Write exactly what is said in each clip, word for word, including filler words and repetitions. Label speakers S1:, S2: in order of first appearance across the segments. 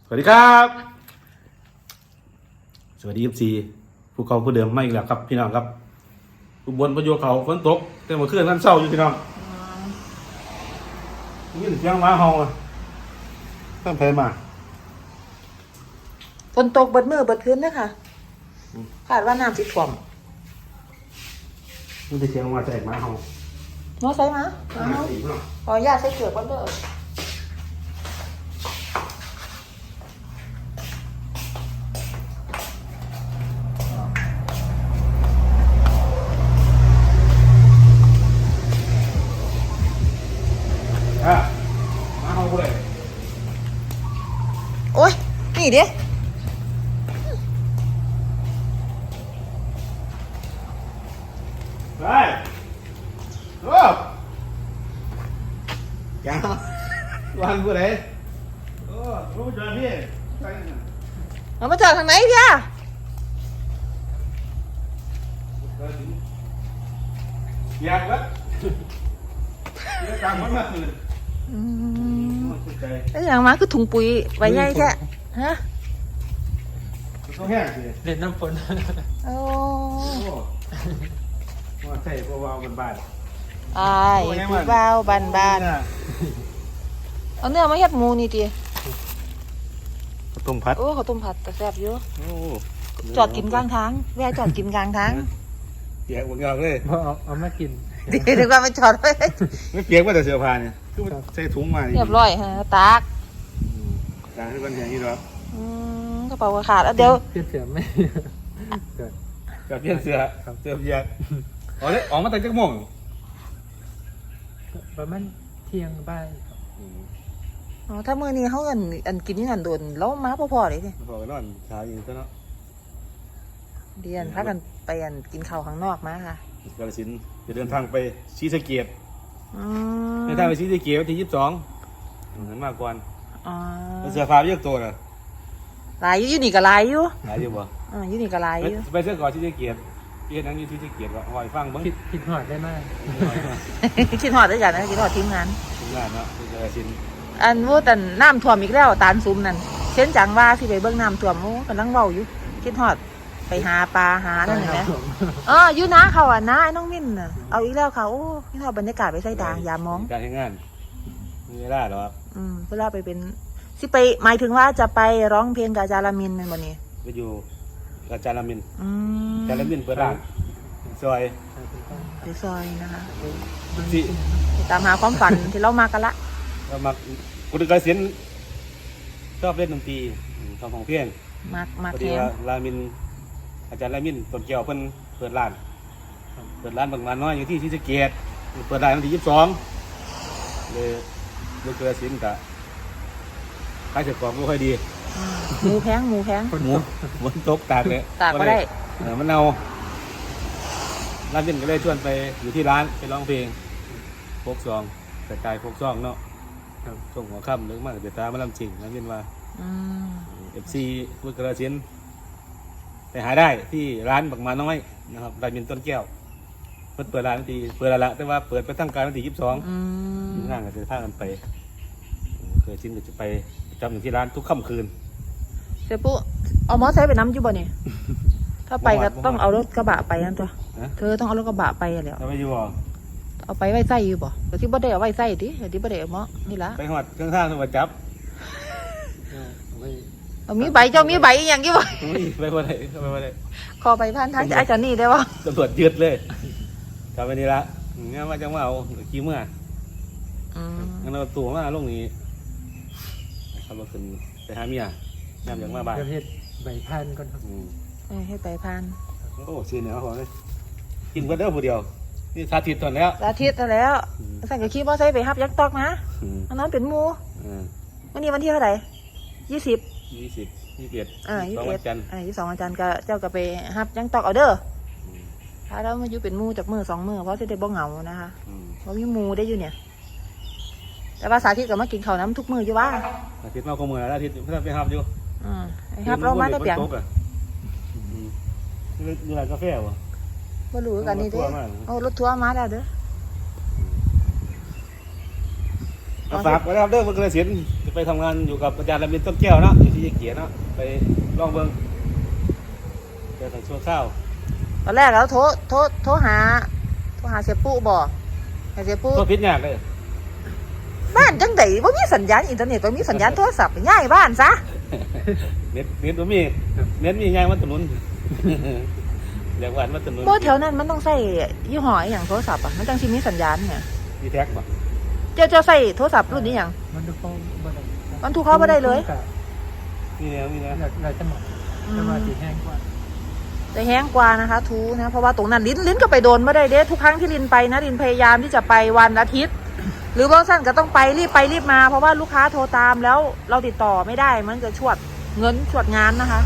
S1: สวัสดีครับสวัสดีครับซีผู้เขาผู้เดิมไม่อีกแล้วครับพี่น้องครับอุบลประโยชน์เขาฝนตกแต่เมื่อคืนนั้นเศร้าอยู่พี่น้องนี่เสียงหมาเห่าอ่ะตั้งเพลมา
S2: ฝนตกเบิดมือเบิดคืนเด้อค่ะคาดว่าน้ำสิท่วม
S1: นี่เป็นเสียงมาจากหมาเห่า
S2: เนาะใส่มาเอา
S1: หมาสีพี่น้อง
S2: ขออนุญาตใส่เกลือก่อนเด้อ
S1: อ่ะหมาเห่าเลย
S2: โอ๊ยนี่เด้
S1: ไปโอ้ยาววันกูไหนโอ้รู้จักพี่ไปนะ
S2: เอามาจอดทางไหนพี่อะ
S1: อยากวะเดี๋ยวตามมันมาคืน
S2: อืม
S1: สุดใจ
S2: ไอ้อย่างมาคือถุงปุ๋ยไว้ใหญ่แท้ฮะ
S1: ต้องแห้งสิ
S3: เล่นน้ำฝน
S2: โอ้
S1: โอ้ว่าใช่เพราะว่ามันบาน
S2: อายผู้บ่าวบ้านบ้านๆเอาเนื้อมาเฮ็ดหมูนี่ติ
S1: ข้าวต้มพัด
S2: โอ้ข้าวต้มผัดแต่แซ่บอยู่
S1: โอ้
S2: จอดกินกลางทางแวะจอดกินกลางทาง
S1: เปียกหมดเงาเลย
S3: พอเอาเอามากิน
S2: ดีดีกว่ามันจอดไว้
S1: ไม่เปียกว่าแต่เสื้อผ้าเนี่ยคือมันใส่ถุงมานี่
S2: เรียบร้อยฮะตาก
S1: ต่างให้มันแห้งนี่หรอ
S2: อืมกระเป๋าก็ขาดแล้วเดี๋ยว
S3: เปลี่ยนเสือไม่เกิด
S1: กับเพี้ยนเสื้อเสื้อเปียกอ๋อเนี่ยออกมาแต่จักโมง
S3: ประมาณเที่ยงบ่ายครับ
S2: อ๋อถ้ามื้อนี้เขาอันอันกินนี่นั่นโดนแล้วมาพอๆเลยสิ
S1: พอกันนอนเช้าอยู่ซะเนาะ
S2: เดียนพากันไปอันกินข้าวข้างนอกมาค่ะ
S1: กาฬสินธุ์จะเดินทางไปศรีสะเกษ
S2: อืม
S1: เดินทางไปศรีสะเกษวันที่ยี่สิบสองเห็นมากกว่า
S2: อ๋อ
S1: เสื้อผ้าเยอะตัวน่ะ
S2: หลายอยู่อยู่นี่ก็หลายอยู่
S1: หลายอยู่บ่
S2: อ่าอยู่นี่ก็หลาย
S1: ไป
S2: อยู่
S1: ไปเสื้อก่อนศรีสะเกษเพียรนั่งอยู่ศรีสะเกษก็หอยฟังเบิ่ง
S3: ผิดผิดหอดได้มาก
S2: คิดฮอดด้วยกันนะคิดฮอดทีมงาน
S1: ทำงานเนาะที่กาฬสินธุ์
S2: อันว่าแต่น้ำท่วมอีกแล้วตาลซุมนั่นเช่นจังว่าที่ไปเบิ่งน้ำท่วมโอ้กำลังเว้าอยู่คิดฮอดไปหาปลาหานั่นเห็นไหมเอออยู่นะเขาอ่ะนะไอ้น้องมิ้นน่ะเอาอีกแล้วค่ะโอ้คิดฮอดบรรยากาศไปใส่ดางยามมอง
S1: การทำงานมีเวลาหรอครับ
S2: อืมเวลาไปเป็นสิไปหมายถึงว่าจะไปร้องเพลงกับอาจารย์ลามินแมันบ่นี่
S1: ไปอยู่อาจารย์ลามิน
S2: อืม
S1: อาจารย์ลามินเปิดร้านซอย
S2: ไปซอยนะคะ
S1: สิ
S2: ไปตามหาความฝัน ที่เรามากันละ
S1: เรามาคุณกาฬสินธุ์ชอบเล่นดนตรีทำของเพลง
S2: มามา
S1: พอ
S2: แค
S1: ดี
S2: ม
S1: ว่าลามินอาจารย์ลามินต้นแก้วเพิ่นเปิดร้านเปิดร้านบางร้านน้อยอยู่ที่ศรีสะเกษเปิดร้านวันที่ยี่สิบสองเลยเลยกาฬสินธุ์กะขายเสร็จก่อนไม่ค่อยดี
S2: อืมหมูแพงหมูแพง
S1: หมูฝนตกตากเลย
S2: ตากก็ได้
S1: เออมันเอาร้านเย็นก็เลยชวนไปอยู่ที่ร้านไปร้องเพลงโฟกซองแต่กายโฟกซองเนาะช่วงหัวค่ำหรือมากเดือดตามาลำจริงร้านเย็นว่า
S2: อืม
S1: เอฟซีพุทธกระสินธุ์ไปหาได้ที่ร้านบักมาน้อยนะครับร้านมินต้นแก้วเปิดเปิดร้านวันที่เปิดแล้วละแต่ว่าเปิดไปตั้งการวันที่ยี่สิบสอง
S2: อืม
S1: ทีมงานก็จะพากันไปเคยชินก็จะไปจำอยู่ที่ร้านทุกค่ำคืน
S2: เสียปุ๊เอามอไซค์ไปน้ำอยู่บ่เนี่ยถ้าไปก็ต้องเอารถกระบะไปนั่นตัว
S1: นะ
S2: เธอต้องเอารถกระบะไปอะแล้ว
S1: ถ้าไม่อยู่บ่
S2: เอาไปไว้ไส้อยู่บ่แต่ที่บ่ได้เอาไว้ไส้ดิแต่ที่บ่ได้เอามอนี่ละ
S1: ไปหอดเครื่องท่าสวัสดิ์จับ
S3: ไม่
S2: เอามีใบเจ้ามีใบอหย่างกี่บ่
S1: อุ้ยไปบ่ได้ไปบ่ได้
S2: ขอไปผ่านทางจะอาจารย์นี่ได้บ่
S1: ตำรวจยึดเลยกลับไปนี่ละงั้นว่าจะมาเอาขี้เมื่อ
S2: อืม
S1: งั้นเราตัวมาลงนี้ขับรถขึ้นไปหาเมียน้ำอย่างมาบ้าน
S3: ประเภทใบพันก่อนครับ
S1: อืม
S2: เออให้ไปผ่าน
S1: โอ้ซีเหนียวเขาเลยกินก็เด้อผู้เดียวนี่สาธิตตอนแล้ว
S2: อาทิตย์แล้ว
S1: อืม
S2: สั่งกับขี่มอไซค์ไปฮับยักษ์ตอกนะ
S1: อืม
S2: อันนั้นเป็นหมู
S1: อ่า
S2: วันนี้วันที่เท่าไหร่ยี่สิบ
S1: ยี่สิบยี่สิบเอ็ด
S2: อ่ายี่
S1: สอง
S2: สิบเอ็
S1: วั
S2: ด
S1: นจันทร์
S2: อ่ายี่สิบสองอาจารย์ก็เจ้าก็ไปฮับยักษ์ตอกเอาเด้อ
S1: อืม
S2: ถ้าเรามาอยู่เป็นหมูจากมือสองมือเพราะจะได้บ่เหงานะคะ
S1: อืม
S2: เพราะมีหมูได้อยู่เนี่ย แต่ว่าสาธิตก็มากินข้าวน้ำทุกมืออยู่ว่า
S1: อาทิตย์มาขโมยแล้วอาทิตย์เพื่อนไปหับอยู่
S2: อืมไอ้ฮับเรามาแต่เปียง
S1: ฝนตกอะอืมนี่นี่ร้านกาแฟวะ
S2: บ่รู้กันนี่เด้
S1: รถทัวร์มา
S2: โอ้รถทัวร์มาแล้วเด้อ
S1: ก็ฝากไว้นะครับเด้อเมื่อกระสินจะไปทำงานอยู่กับอาจารย์ระมินต้นแก้วเนาะอยู่ที่เกียรติเนาะไปลองเบิ่งเจอทางช่วงเช้า
S2: ตอนแรกแล้วโทรโทรโทรหาโทรหาเสียปุ๊บอกให้เสียปุ๊
S1: ตัวพิษยากเลย
S2: บ้านจังไดบ่มีสัญญาณอินเทอร์เน็ตบ่มีสัญญาณโทรศัพท์ย้ายบ้านซะ
S1: เน็ตเน็ตบ่มีเน็ตมีไงมันถนน อยากหวานมันถนน
S2: บ่แถวนั้นมันต้องใช้ยี่ห้ออีหยังโทรศัพท์อ่ะมันจังสิมีสัญญาณเนี่ย
S1: มีแท็กป่ะ
S2: เจ้าเจ้าใช้โทรศัพท์รุ่นนี้หยัง
S3: มันดูฟ้องบ่ได้
S2: มันถูกเข้าบ่ได้เลย
S1: มีแนวมีแนว
S3: เราเราจะหมดจะมาสีแห้งกว่า
S2: จะแห้งกว่านะคะทูนะเพราะว่าตรงนั้นลิ้นลิ้นก็ไปโดนไม่ได้เด้ทุกครั้งที่ลินไปนะลินพยายามที่จะไปวันอาทิตย์ หรือบางสั้นก็ต้องไปรีบไปรีบมาเพราะว่าลูกค้าโทรตามแล้วเราติดต่อไม่ได้มันจะชวดเงินชวดงานนะคะ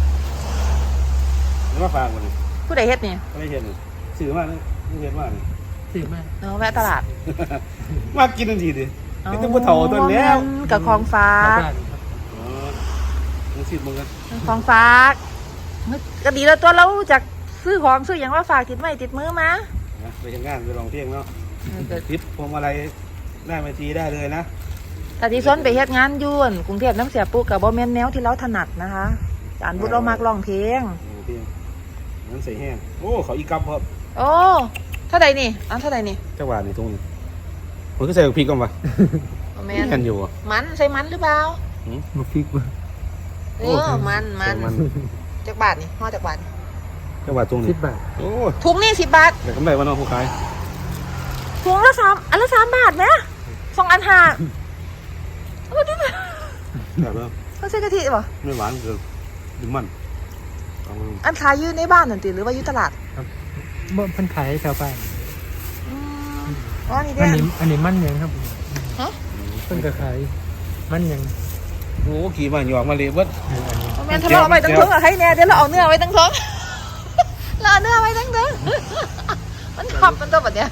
S1: แล้วมาฝากมันนี่
S2: ผู้ใดเฮ็ดนี่
S1: ก็ได้เห็นนี่สื่อมากเลยไม่เห็นมากนี่
S3: สีมาก
S2: เนาะแวะตลาด
S1: มากินทันทีดิกินตั้งแต่เฒ่าต้นแล้ว
S2: กับของฟ้า
S3: บ้านครับ
S1: อ๋อมึงสิมึงกัน
S2: ของฟ้ากก็ดีแล้วตัวเราจากซื้อของซื้ออย่างว่าฝากติดไม้ติดมือมา
S1: นะไปทำงานไปลองเที่ยงเนาะทิปพวงมาลัยได้มาทีได้เลยนะ
S2: แต่ที่ซ้นไปเฮ็ดงานอยุ่นกรุงเทพน้ำเสียปุ๊กับบ่แม่นแนวที่เราถนัดนะคะจานบุตรเรามักร้องเพลง
S1: โอ้เพียงนั่นใส่แห้งโอ้เขาอีกับครับ
S2: โอ้เท่าไหร่นี่อันเท่าไหร่นี่
S1: จังหวะนี่ตรงนี้ผมก็ใส่พริกก่อนปะ
S2: บ่แม่
S1: นี่
S2: น
S1: กันอยู่อ่ะ
S2: มันใส่มันหรือเปล่า
S3: มาฟิกมา
S2: เออมันมัน
S1: มัน
S2: จากบาทนี่ห่อจากบาทนี่
S1: จังหวะตรง
S3: สิ
S1: นี้
S3: บบาท
S1: โอ้
S2: ถุงนี่สิบบาท
S1: แต่กำไรวันน้องผู้ขาย
S2: ถุงละสามอันละสามบาทไหมสองอันห้าโอ้ดิ
S1: แบบว่า
S2: เขาใส่กะทิป่ะ
S1: ไม่หวานเกินดิมันเอามา
S2: อันขายอยู่ในบ้านนั่นติหรือว่าอยู่ตลาด
S3: ครับเมื่อเพันขายให้ชาวบ้าน
S2: อืมอ๋อนี่
S3: อั
S2: เด้
S3: นนี้อันนี้มันยังครับ
S2: ฮะ
S3: เพิ่นก็ขายมันยัง
S1: โอ้ขี่มาหยอกมาเลยเบิด
S3: อันนี้
S2: แม่นทะเลาะไปตั้งเถิงอะให้แน่เดี๋ยวเราเอาเนื้อไว้ตั้งเถิง เราเอาเนื้อไว้ตั้งเถิง มันขับมันตัวแบบเนี้ย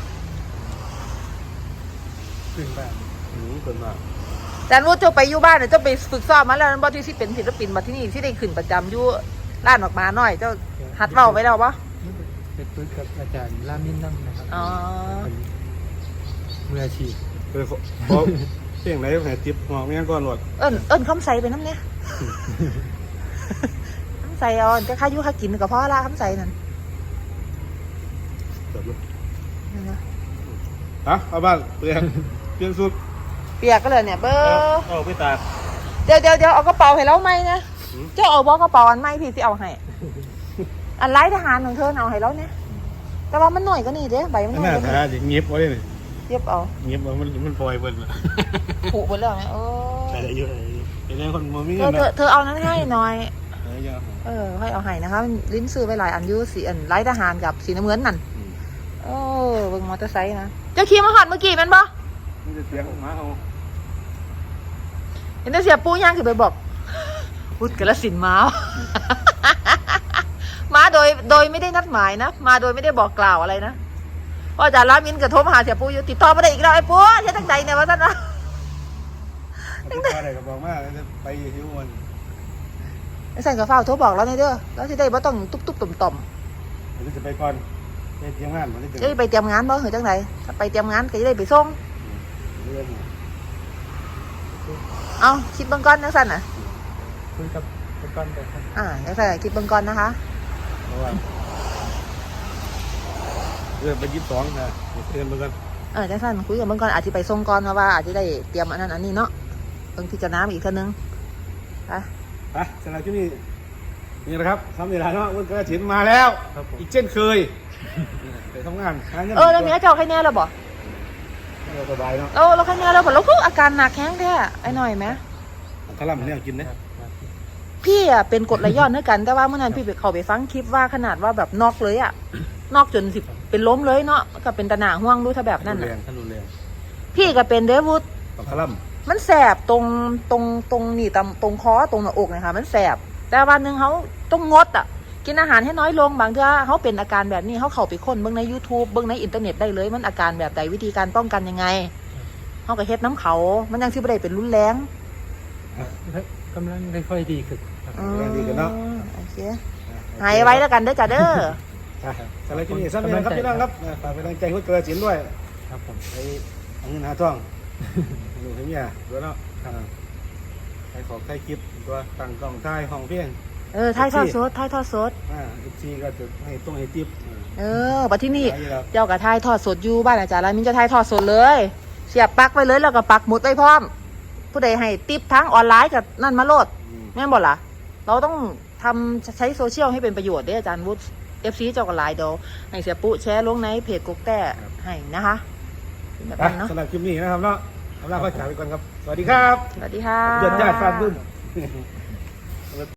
S3: ขึ้นบ้าน
S1: อืมเกินมาก
S2: แต่รู้เจ้าไปอยู่บ้านเนี่ยเจ้าไปฝึกซ้อมมาแล้วนั่นบ่ที่สิเป็นศิลปินมาที่นี่ที่ได้ขึ้นประจำอยู่ร้านออกมาหน่อยเจ้าหัดเว้าไว้แล้วปะ
S3: เป็นปืนกับอาจารย์ลามินน้ำนะครับ
S2: อ๋อ
S3: เป็นมืออาชีพ
S1: เคยขอขอเพียงไหนไหนทิปหอกไม่งั้นก่อนหลด
S2: เอิ้นเอิ้นคำใสไปน้ำเนี่ยคำใสเอาจะค่าอยู่ค่ากินกับพ่อละคำใสนั่น
S1: เกิดเลย
S2: นั่นนะ
S1: ฮะเอาบ้านเปลี่ยนเปลี่ยนสุด
S2: เปียกก็เลยเนี่ยเบอ
S1: เอา
S2: ร์
S1: เอาไปตาก
S2: เดี๋ยวเดี๋ยวเดี๋ยวเอากระเป๋าให้เราไหมนะ
S1: อืม
S2: เจ้าเอาบอกระเป๋าอันไหมพี่สิเอาให้อันไร้ทหารของเธอเอาให้เราเนี่ยแต่ว่ามันหน่อยก็นี่เด้ใบมันหน่อย
S1: น่า
S2: ก็นี่
S1: ทาจะเงียบไว้เลย
S2: เย็บเอา
S1: เงียบเอามันมันปล่อยเบิดละ
S2: ผูกหมดแล้วนะโอ้
S1: แต่เยอะเดี๋ยวนี้คนมันมี
S2: เธ
S1: เงิ
S2: อน เธอ
S1: นะ
S2: เธอเอานั้นให้หน่อย
S1: เออเยอะ
S2: เออให้เอาให้นะคะลิ้นซื้อไปหลายอันอยูสีอันไร้ทหารกับสีน้ำเงินนั่น
S1: อืม
S2: โอ้เบิ่งมอเตอร์ไซค์นะเจ้าขี่มาหอดเมื่อกี้แมันบ่
S1: มันจะเสียงออกมาเอา
S2: เห็นแต่เสียปูย่างคือไปบอกพุทธกระสินธุ์มา มาโดยโดยไม่ได้นัดหมายนะมาโดยไม่ได้บอกกล่าวอะไรนะเพราะอาจารย์ลามินกับโทรมาหาเสียปูอยู่ติดต่อมาได้อีกแล้วไอ้ปูใช่ตั้งใจเนี่ยว่าท่านนะ
S1: ตั้งแต่อะไรก็บอกมาจะไปหิวมัน
S2: ไอ้สันกับเฝ้าโทรบอกเราในอยเด้อแล้วสิได้บ่ต้องตุ๊บตุ๊บต่อมต่อม
S1: เดี๋ยวจะไปก่อนไปเที่ยงงานมันจะ
S2: จะได้ไปเตรียมงานบ่หรือจังไดถ้าไปเตรียมงานก็จะได้ไปส่ง
S1: เรื่อง
S2: เอาคิดเบิ่งก่อนจังซั่นน่ะ
S3: คุยกับเป็นก้อนแบบครับ
S2: อ่าจังซั่นน่ะคิดเบิ่งก่อนนะคะ
S1: เพราะว่าเรื่องไปยี่สิบสองนะเตือนเหมือนกัน
S2: เออจังซั่นคุยกับเบิ่งก่อนอาจสิไปส่งก่อนเพราะว่าอาจจะได้เตรียมอันนั้นอันนี้เนาะเบิ่งพิจารณาอีกเทื่อนึงไป
S1: ไปสำหรับที่นี่นี่แหละครับทำนี่แหละเนาะวันกระถิ่นมาแล้ว
S3: ครับผม
S1: อีกเช่นเคยไปทำงานหางิน
S2: เออแล้วเมียเจ้าใครแน่แล้วบ่
S1: เออสบายเนาะ
S2: เออแล้วใครแน่แล้วบ่แล้วคืออาการหนักแฮงแท้ไอ้หน่อยแหม
S1: ทะลัมเนี่ยกินนะครับ
S3: ครับ
S2: พี่อ่ะเป็นกรดไหลย้อนด้วยกันแต่ว่าเมื่อนั้นพี่ไปเข้าไปฟังคลิปว่าขนาดว่าแบบนอกเลยอ่ะนอกจนสิเป็นล้มเลยเนาะก็เป็นตะหนาห่วงดูถ้าแบบนั้น
S1: แร
S2: น่ะ
S1: งท่านรุนแรง
S2: พี่ก็เป็นเดวุฒ
S1: ต้องทะลัม
S2: มันแสบตรงตรงตรงนี่ตรงตรงคอตรงหน้าอกนะคะมันแสบแต่วันหนึ่งเขาต้องงดอ่ะกินอาหารให้น้อยลงบางทีเขาเป็นอาการแบบนี้เขาเข้าไปค้นเบิ่งใน YouTube เบิ่งในอินเทอร์เน็ตได้เลยมันอาการแบบใดวิธีการป้องกันยังไงเขาก็เฮ็ดน้ำเขามันยังที่ไม่ได้เป็นรุนแรง
S3: กำลังค่อยๆดีขึ้นครับ
S2: อืม
S1: แรงดีกันเนาะ
S2: โอเคหายไว้แล้วกันเด้อจ้ะเด้อ
S1: อ่ะสำหรับที่นี่สั้นๆนะครับพี่น้องครับอ่ะฝากเป็นกำลังใจให้กระถิ่นด้วย
S3: ครับผม
S1: ไปเอาเงินหาท่องหนูเมียด้วยเนาะอ่าใครขอใครคลิปตัวตั้งกล้องถ่ายห้องเพียง
S2: เออถ่ายทอดสดถ่ายทอดสด
S1: อ่าอีกทีก็จะให้ต้องให้ติ๊บ
S2: เออบัดที่นี่
S1: หลายอยู่แล้ว
S2: เจ้ากับถ่ายทอดสดอยู่บ้านอาจารย์แล้วมินจะถ่ายทอดสดเลยเสียบปลั๊กไว้เลยแล้วก็ปักหมุดไว้พร้อม ผู้ใดให้ติปทั้งออนไลน์กับนั่นมาโลด
S1: อืม
S2: แม่นบอกล่ะ เราต้องทำใช้โซเชียลให้เป็นประโยชน์เด้ออาจารย์วุฒิเอฟซีเจ้ากับไลน์เดี๋ยวให้เสียปุ๊แชร์ลงในเพจกกแต่ให้นะคะแบบ
S1: อ่ะ
S2: นั้นเนาะ
S1: สำหรับคลิปนี้นะครับเนาะเอาล่ะก็จากไปก่อนครับ สวัสดีครับ
S2: สวัสดีค่ะ
S1: ยอดญาติฟาดบึ้ม